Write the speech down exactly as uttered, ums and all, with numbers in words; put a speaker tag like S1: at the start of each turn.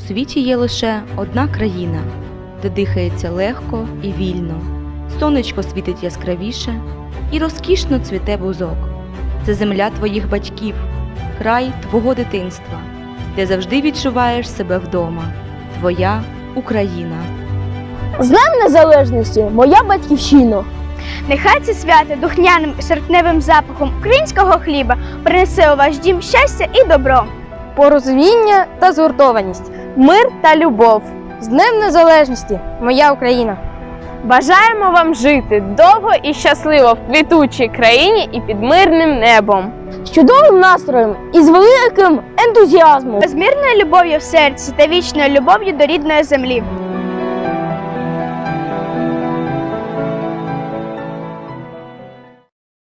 S1: світі є лише одна країна, де дихається легко і вільно, сонечко світить яскравіше і розкішно цвіте бузок. Це земля твоїх батьків, край твого дитинства, де завжди відчуваєш себе вдома. Твоя Україна.
S2: З Днем Незалежності, моя батьківщина!
S3: Нехай це свято духмяним серпневим запахом українського хліба принесе у ваш дім щастя і добро.
S2: Порозуміння та згуртованість, мир та любов. З Днем Незалежності, моя Україна!
S4: Бажаємо вам жити довго і щасливо в квітучій країні і під мирним небом.
S2: З чудовим настроєм і з великим ентузіазмом.
S3: Безмірною любов'ю в серці та вічною любов'ю до рідної землі.